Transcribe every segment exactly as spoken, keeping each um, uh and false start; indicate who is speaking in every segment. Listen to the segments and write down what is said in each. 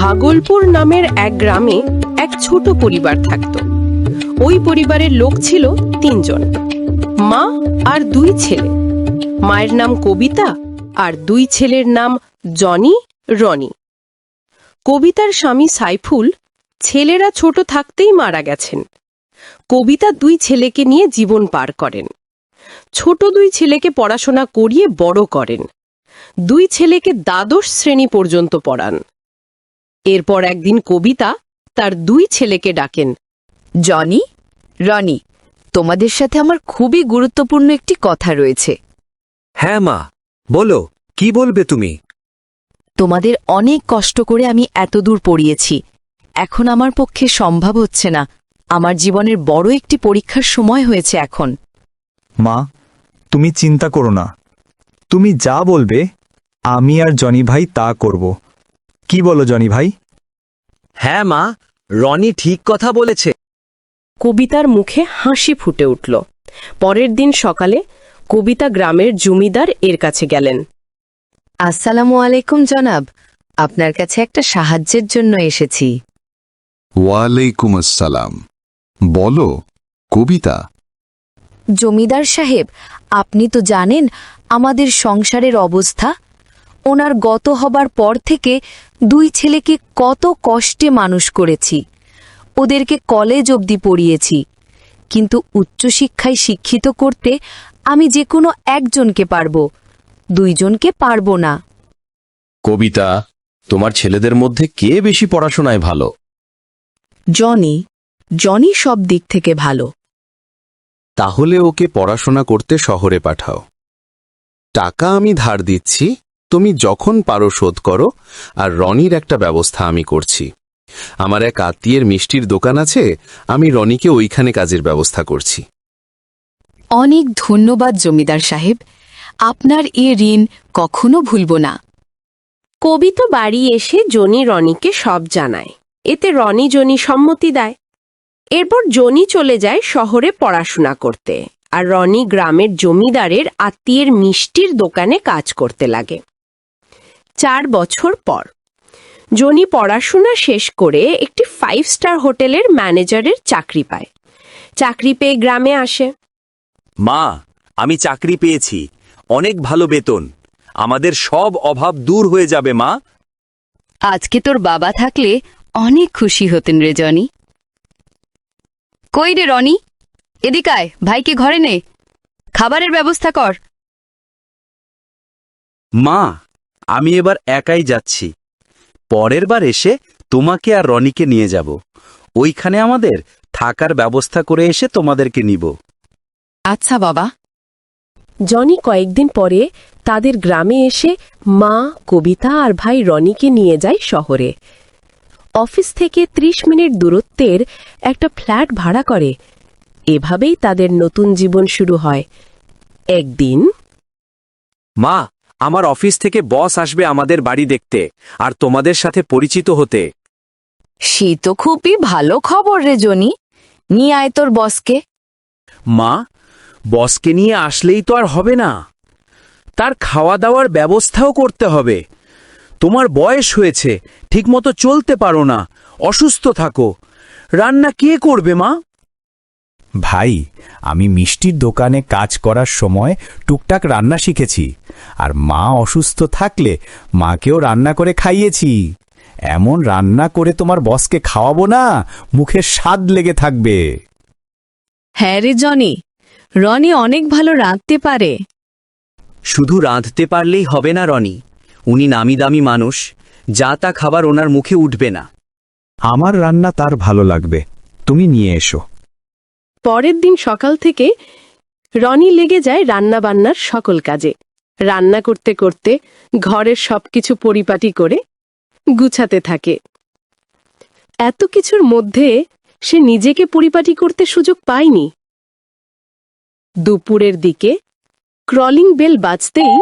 Speaker 1: পাগলপুর নামের এক গ্রামে এক ছোট পরিবার থাকত। ওই পরিবারের লোক ছিল তিনজন, মা আর দুই ছেলে। মায়ের নাম কবিতা আর দুই ছেলের নাম জনি, রনি। কবিতার স্বামী সাইফুল ছেলেরা ছোট থাকতেই মারা গেছেন। কবিতা দুই ছেলেকে নিয়ে জীবন পার করেন। ছোট দুই ছেলেকে পড়াশোনা করিয়ে বড় করেন। দুই ছেলেকে দ্বাদশ শ্রেণী পর্যন্ত পড়ান। এরপর একদিন কবিতা তার দুই ছেলেকে ডাকেন।
Speaker 2: জনি, রনি, তোমাদের সাথে আমার খুবই গুরুত্বপূর্ণ একটি কথা রয়েছে।
Speaker 3: হ্যাঁ মা, বলো, কি বলবে তুমি?
Speaker 2: তোমাদের অনেক কষ্ট করে আমি এতদূর পড়িয়েছি। এখন আমার পক্ষে সম্ভব হচ্ছে না। আমার জীবনের বড় একটি পরীক্ষার সময় হয়েছে এখন।
Speaker 4: মা, তুমি চিন্তা করো না। তুমি যা বলবে আমি আর জনি ভাই তা করব। কি বলো জনি ভাই?
Speaker 3: হ্যাঁ মা, রনি ঠিক কথা বলেছে।
Speaker 1: কবিতার মুখে হাসি ফুটে উঠল। পরের দিন সকালে কবিতা গ্রামের জমিদার এর কাছে গেলেন।
Speaker 2: আসসালামু আলাইকুম জনাব, আপনার কাছে একটা সাহায্যের জন্য এসেছি।
Speaker 5: ওয়ালাইকুম আসসালাম। বলো কবিতা।
Speaker 2: জমিদার সাহেব, আপনি তো জানেন আমাদের সংসারের অবস্থা। ওনার গত হবার পর থেকে দুই ছেলেকে কত কষ্টে মানুষ করেছি। ওদেরকে কলেজ অবধি পড়িয়েছি, কিন্তু উচ্চশিক্ষায় শিক্ষিত করতে আমি যে কোনো একজনকে পারব, দুইজনকে পারব না।
Speaker 6: কবিতা, তোমার ছেলেদের মধ্যে কে বেশি পড়াশোনায় ভালো?
Speaker 2: জনি, জনি সব দিক থেকে ভালো।
Speaker 5: তাহলে ওকে পড়াশোনা করতে শহরে পাঠাও। টাকা আমি ধার দিচ্ছি, তুমি যখন পারো শোধ করো। আর রনির একটা ব্যবস্থা আমি করছি। আমার এক আত্মীয়ের মিষ্টির দোকান আছে, আমি রনিকে ওইখানে কাজের ব্যবস্থা করছি।
Speaker 2: অনেক ধন্যবাদ জমিদার সাহেব, আপনার এ ঋণ কখনো ভুলব না।
Speaker 1: কবিতা বাড়ি এসে জনি রনিকে সব জানায়। এতে রনি জনি সম্মতি দেয়। এরপর জনি চলে যায় শহরে পড়াশোনা করতে, আর রনি গ্রামের জমিদারের আত্মীয়ের মিষ্টির দোকানে কাজ করতে লাগে। চার বছর পর জনি পড়াশোনা শেষ করে একটি ফাইভ স্টার হোটেলের ম্যানেজারের চাকরি পায়। চাকরি পেয়ে গ্রামে আসে।
Speaker 3: মা, আমি চাকরি পেয়েছি, অনেক ভালো বেতন। আমাদের সব অভাব দূর হয়ে যাবে মা।
Speaker 2: আজকে তোর বাবা থাকলে অনেক খুশি হতেন রে জনি। কই রে রনি, এদিকায়, ভাইকে ঘরে নে, খাবারের ব্যবস্থা কর।
Speaker 3: মা, আমি এবার একাই যাচ্ছি। পরের বার এসে তোমাকে আর রনিকে নিয়ে যাব। ওইখানে আমাদের থাকার ব্যবস্থা করে এসে তোমাদেরকে নিব।
Speaker 2: আচ্ছা বাবা।
Speaker 1: জনি কয়েকদিন পরে তাদের গ্রামে এসে মা, কবিতা আর ভাই রনিকে নিয়ে যায় শহরে। অফিস থেকে ত্রিশ মিনিট দূরত্বের একটা ফ্ল্যাট ভাড়া করে। এভাবেই তাদের নতুন জীবন শুরু হয়। একদিন
Speaker 3: মা, আমার অফিস থেকে বস আসবে আমাদের বাড়ি দেখতে আর তোমাদের সাথে পরিচিত হতে।
Speaker 2: সে তো খুবই ভালো খবর রে জনি, নিয়ে আয় তোর বসকে।
Speaker 3: মা, বসকে নিয়ে আসলেই তো আর হবে না, তার খাওয়া দাওয়ার ব্যবস্থাও করতে হবে। তোমার বয়স হয়েছে, ঠিকমতো চলতে পারো না, অসুস্থ থাকো। রান্না কে করবে মা?
Speaker 4: ভাই, আমি মিষ্টির দোকানে কাজ করার সময় টুকটাক রান্না শিখেছি। আর মা অসুস্থ থাকলে মাকেও রান্না করে খাইয়েছি। এমন রান্না করে তোমার বসকে খাওয়াবো না, মুখে স্বাদ লেগে থাকবে।
Speaker 2: হ্যাঁ রে জনি, রনি অনেক ভালো রাঁধতে পারে।
Speaker 3: শুধু রাঁধতে পারলেই হবে না রনি, উনি নামি দামি মানুষ, যা তা খাবার ওনার মুখে উঠবে না।
Speaker 4: আমার রান্না তার ভালো লাগবে, তুমি নিয়ে এসো।
Speaker 1: পরের দিন সকাল থেকে রনি লেগে যায় রান্না বান্নার সকল কাজে। রান্না করতে করতে ঘরের সবকিছু পরিপাটি করে গুছাতে থাকে। এত কিছুর মধ্যে সে নিজেকে পরিপাটি করতে সুযোগ পায়নি। দুপুরের দিকে ক্রলিং বেল বাজতেই,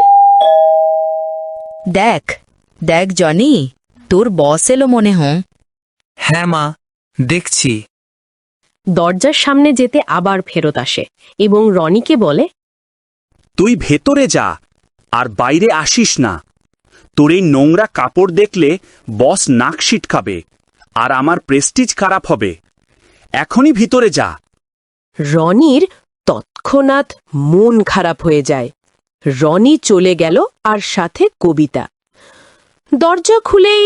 Speaker 2: দেখ দেখ জনি, তোর বস এলো মনে হয়।
Speaker 3: হ্যাঁ মা, দেখছি।
Speaker 1: দরজার সামনে যেতে আবার ফেরত আসে এবং রনিকে বলে,
Speaker 3: তুই ভেতরে যা আর বাইরে আসিস না।
Speaker 7: তোর এই নোংরা কাপড় দেখলে বস নাক সিটকাবে আর আমার প্রেস্টিজ খারাপ হবে। এখনই ভিতরে যা।
Speaker 1: রনির তৎক্ষণাৎ মন খারাপ হয়ে যায়। রনি চলে গেল আর সাথে কবিতা। দরজা খুলেই,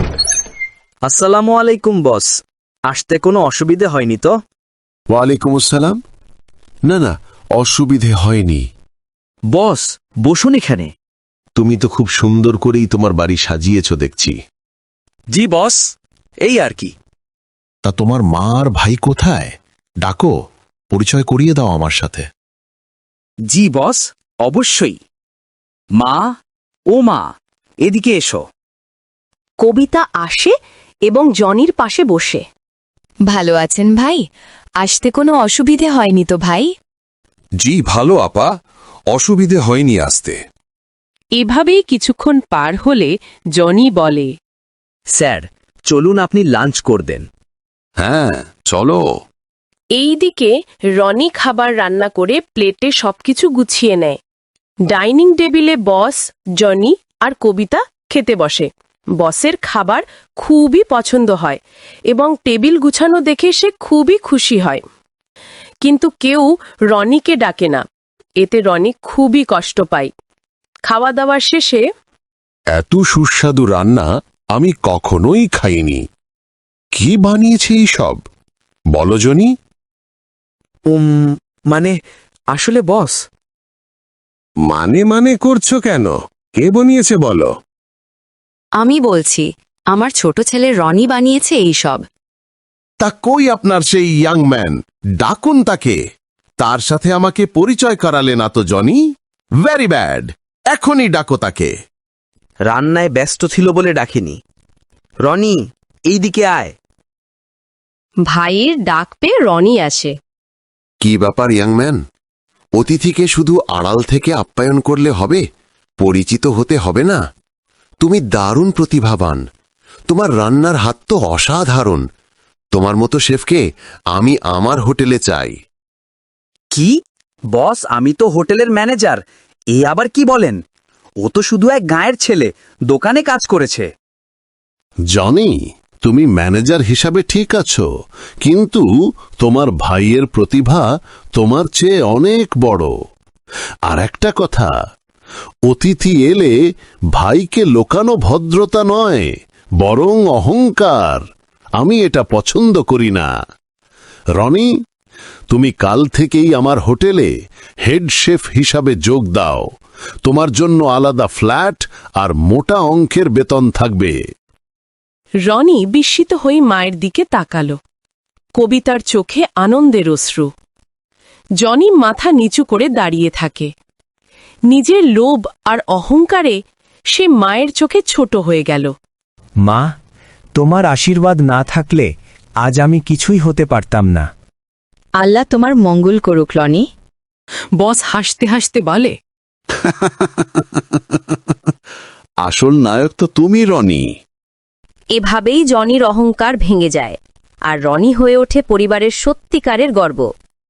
Speaker 8: আসসালামু আলাইকুম বস, আসতে কোনো অসুবিধে হয়নি তো?
Speaker 9: ওয়ালাইকুম আসসালাম। না না, অসুবিধে হয়নি।
Speaker 8: বস বসুন এখানে।
Speaker 9: তুমি তো খুব সুন্দর করেই তোমার বাড়ি সাজিয়েছ দেখছি।
Speaker 8: জি বস, এই আর কি।
Speaker 9: তা তোমার মা আর ভাই কোথায়? ডাকো, পরিচয় করিয়ে দাও আমার সাথে।
Speaker 8: জি বস, অবশ্যই। মা, ও মা, এদিকে এসো।
Speaker 1: কবিতা আসে এবং জনির পাশে বসে।
Speaker 2: ভালো আছেন ভাই? আসতে কোনো অসুবিধে হয়নি তো ভাই?
Speaker 10: জি ভালো আপা, অসুবিধে হয়নি আসতে।
Speaker 1: এভাবেই কিছুক্ষণ পার হলে জনি বলে,
Speaker 8: স্যার চলুন আপনি লাঞ্চ করবেন।
Speaker 10: হ্যাঁ চলো।
Speaker 1: এইদিকে রনি খাবার রান্না করে প্লেটে সবকিছু গুছিয়ে নেয়। ডাইনিং টেবিলে বস, জনি আর কবিতা খেতে বসে। বসের খাবার খুবই পছন্দ হয় এবং টেবিল গুছানো দেখে সে খুবই খুশি হয়। কিন্তু কেউ রনিকে ডাকে না। এতে রনি খুবই কষ্ট পায়। খাওয়া দাওয়ার শেষে,
Speaker 9: এত সুস্বাদু রান্না আমি কখনোই খাইনি। কি বানিয়েছে এই সব? বলো জনি।
Speaker 8: উম মানে আসলে বস,
Speaker 9: মানে মানে করছো কেন? কে বানিয়েছে বলো?
Speaker 2: আমি বলছি, আমার ছোট ছেলে রনি বানিয়েছে এই সব।
Speaker 9: তা কই আপনার সেই ইয়াং ম্যান? ডাকুন তাকে। তার সাথে আমাকে পরিচয় করালে না তো জনি। Very bad. এখনই ডাকো তাকে।
Speaker 8: রান্নায় ব্যস্ত ছিল বলে ডাকিনি। রনি, এইদিকে আয়।
Speaker 1: ভাইয়ের ডাক পেয়ে রনি আসে।
Speaker 9: কি ব্যাপার ইয়াংম্যান? অতিথিকে শুধু আড়াল থেকে আপ্যায়ন করলে হবে? পরিচিত হতে হবে না? তুমি দারুণ প্রতিভাবান। তোমার রান্নার হাত তো অসাধারণ। তোমার মতো শেফকে আমি আমার হোটেলে চাই।
Speaker 8: কি বস, আমি তো হোটেলের ম্যানেজার। এ আবার কি বলেন? ও তো শুধু এক গাঁয়ের ছেলে, দোকানে কাজ করেছে।
Speaker 9: জনি, তুমি ম্যানেজার হিসাবে ঠিক আছো, কিন্তু তোমার ভাইয়ের প্রতিভা তোমার চেয়ে অনেক বড়। আর একটা কথা, অতিথি এলে ভাইকে লোকানো ভদ্রতা নয়, বরং অহংকার। আমি এটা পছন্দ করি না। রনি, তুমি কাল থেকেই আমার হোটেলে হেড শেফ হিসাবে যোগ দাও। তোমার জন্য আলাদা ফ্ল্যাট আর মোটা অঙ্কের বেতন থাকবে।
Speaker 1: রনি বিস্মিত হয়ে মায়ের দিকে তাকাল। কবিতার চোখে আনন্দের অশ্রু। জনি মাথা নিচু করে দাঁড়িয়ে থাকে। নিজের লোভ আর অহংকারে সে মায়ের চোখে ছোট হয়ে গেল।
Speaker 11: মা, তোমার আশীর্বাদ না থাকলে আজ আমি কিছুই হতে পারতাম না।
Speaker 2: আল্লাহ তোমার মঙ্গল করুক রনি।
Speaker 1: বস হাসতে হাসতে বলে,
Speaker 9: আসল নায়ক তো তুমি রনি।
Speaker 2: এভাবেই জনির অহংকার ভেঙে যায় আর রনি হয়ে ওঠে পরিবারের সত্যিকারের গর্ব।